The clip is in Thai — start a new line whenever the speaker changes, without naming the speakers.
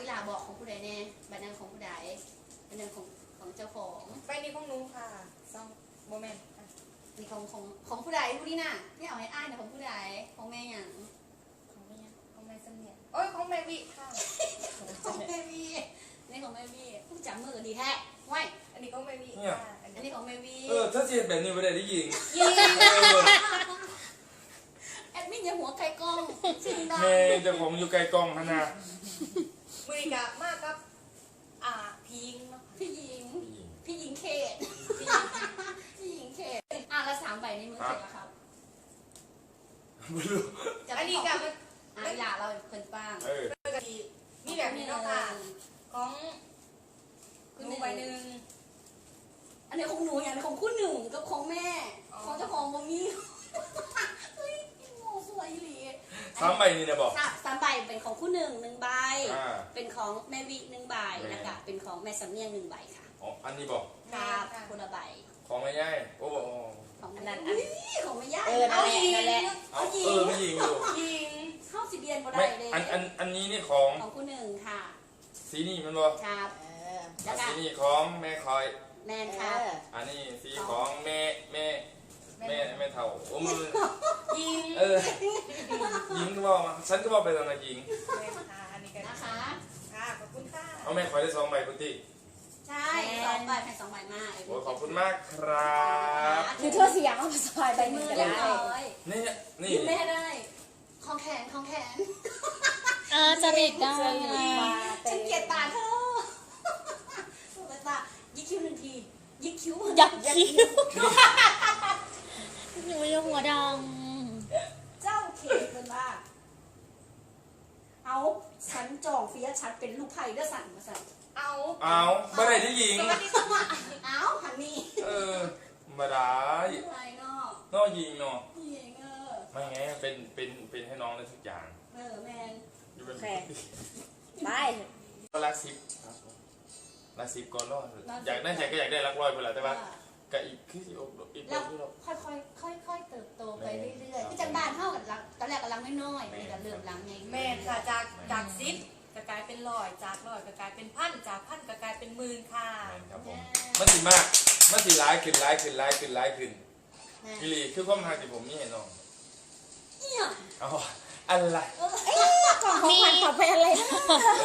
อีหลาบอกของผู้ใดแน่บัตรนั้นของผู้ใดบัตรนั้นของเจ้าของ
ไปนี่ของหนูค่ะซองโมเมนต์
นี่ของผู้ใดผู้นี้น่ะที่เอาให้อ้ายเนี่ยของผู้ใดของแม่หยัง
ของแม่เสมียนโอ้ยของแม่วิค่ะ
ของแม่วีนี่ของแม่วีผู้จับมือดีแท้ไว้
อันนี้ของแม่วิ
เนี่ย
ค่ะ
อันนี้ของแม่วี
ถ้าเสียแบบนี้ไม่ได้ยิง
ยิงแอดมินอย่าหัวไก่กล้องเสียงดัง
แม่เจะผมอยู่ไกลกล้องขนาด
มือกะมากกับพิงเนาะ
พี่หญิงพี่หญิงเขต
พิง
พี่หญิงเขตละ3 ใบในมือเสร็จแล้วครับ
ไม่รู้
อันนี้กับ
เวลาเราเป็นป้าง
กะทิมีแบบนี้เนาะค่ะของหนูใบหนึ่ง
อันนี้ของหนูอย่างนี้ของคู่หนึ่งกับของแม่ของเจ้าของโมมี่เฮ้ยโง่สวยหลี
3 ใบนี่นะบอก
3 ใบเป็นของคู่หนึ่ง1 ใบ
อ่า
เป็นของแม่วิ1 ใบนะคะเป็นของแม่สำเนียง1 ใบค่ะ
อ๋ออันนี้บอก
ครับคนละใบ
ของไม่ย่ายโอ้โห
ของนั้นของไม่ยาก
นั่นแหละ
เอาไม่ยิงอยู่
ยิง
เข้าสิเบียนบ่ได้
ไม่
เลย
อันนี้นี่ของ
ของคู่หนึ่งค่ะ
สีนี่มันบอก
ครับแล้วก็
สีนี่ของแม่คอย
แมนครับ
อันนี้สีของแม่เท่าโอ้มัน
ยิง
ยิงก็บอกมาฉันก็บอกไปตอนนั้นยิง
แม่ค่ะอันนี้กัน
นะคะ
ค่ะขอบคุณค่ะ
เอาแม่คอยได้2 ใบพุทธิ
ใช่2 ใบแผ่น2 ใบมาก
โอ้ขอบคุณมากครับ
คือเธอเสียงเอามาสบายไป
มื
มื
อ
อก็
เรียบ
ได้
ร้อย
นี่
ยิ้มแม่ได้ของแขน
จริตได้
ฉันเกลียดตาเธอถูกตายิกคิ้ว1 ทียิกคิ้ว
ยักคิ้วหนูยังหัวด
เจ้าเขตเป็นว่าเอาฉันจองเฟียฉันเป็นลูกไผ่เด้อสั่นมาสั่น
เอา
บ่ได้ที่ยิง
สวัสดีค่ะ
เอาหันนี่
มาได้
อะไรเนาะ
นอกยิงเนาะ
พี่เอง
ไม่ไงเป็นให้น้องได้ทุกอย่าง
แมน
อยู่เป็น
ำไป
ก็รักซิปรักซิปก่อนรอดอยากได้ใจก็อยากได้รักร้อยไปแหละแต่ว่าก็อีกคืออีก
เรา
ที่เรา
ค่อยเติบโตไปเรื่อยๆคือจังบ้านเท่ากับรังตอนแรกกับรังน้อยๆนี่ก็เริ่มรังไง
แม่ค่ะจาก10ก็กลายเป็น100จาก100ก็กลายเป็น1,000จาก1,000ก็กลายเป็น10,000ค่ะ
ครับผมมันสิมากมันสิร้ายขึ้นพี่ลีคือความทางที่ผมนี่เห็นน้อง
เนี่ย
เอาอะไร
กล่องของขวัญขอไปอะไร